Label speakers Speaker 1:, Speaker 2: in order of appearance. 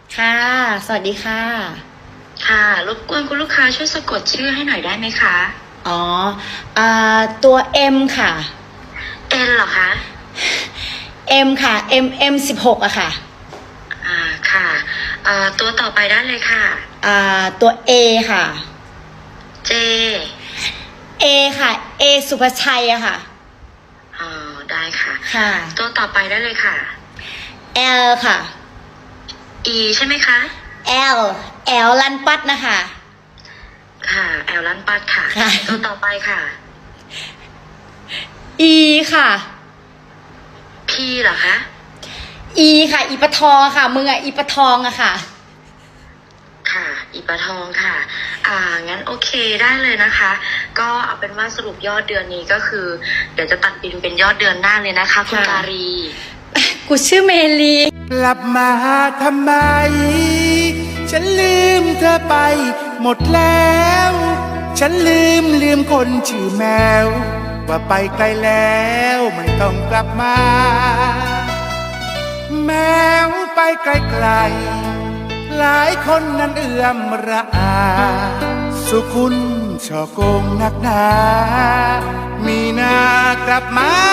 Speaker 1: ค่ะสวัสดีค่ะ
Speaker 2: ค่ะรบกวนคุณลูกค้าช่วยสะกดชื่อให้หน่อยได้ไหมคะ
Speaker 1: อ๋อตัว M ค่ะ
Speaker 2: เอ็นเหรอคะ
Speaker 1: M ค่ะ M16อะค่ะ
Speaker 2: ค่ะตัวต่อไปได้เลยค่ะ
Speaker 1: ตัว A ค่ะ
Speaker 2: เจ
Speaker 1: A ค่ะ A สุภชัยอะค่ะ
Speaker 2: ได้ค่ะ
Speaker 1: ค่ะ
Speaker 2: ตัวต่อไปได้เลยค่ะ
Speaker 1: L ค่ะ
Speaker 2: E ใช่ไหมคะ
Speaker 1: L L ลันปัดนะคะ
Speaker 2: ค่ะแอลลันปัดค่ะ
Speaker 1: ค่ะ
Speaker 2: ตัวต่อไปค่ะ
Speaker 1: E ค่ะ
Speaker 2: P เหรอคะ
Speaker 1: E ค่ะอีปะทองค่ะมึงอะอีปะทองอะค่ะ
Speaker 2: ค่ะอีปลาทองค่ะงั้นโอเคได้เลยนะคะ ก็เอาเป็นว่าสรุปยอดเดือนนี้ก็คือเดี๋ยวจะตัดบินเป็นยอดเดือนหน้าเลยนะคะคุณการี
Speaker 1: กูชื่อเมลี
Speaker 3: กลับมาทำไม ฉันลืมเธอไปหมดแล้ว ฉันลืมคนชื่อแมว ว่าไปไกลแล้วไม่ต้องกลับมา แมวไปไกลๆหลายคนนั้นเอื้อมระอา สุคุณช่อโกงนักหนา มีหน้ากลับมา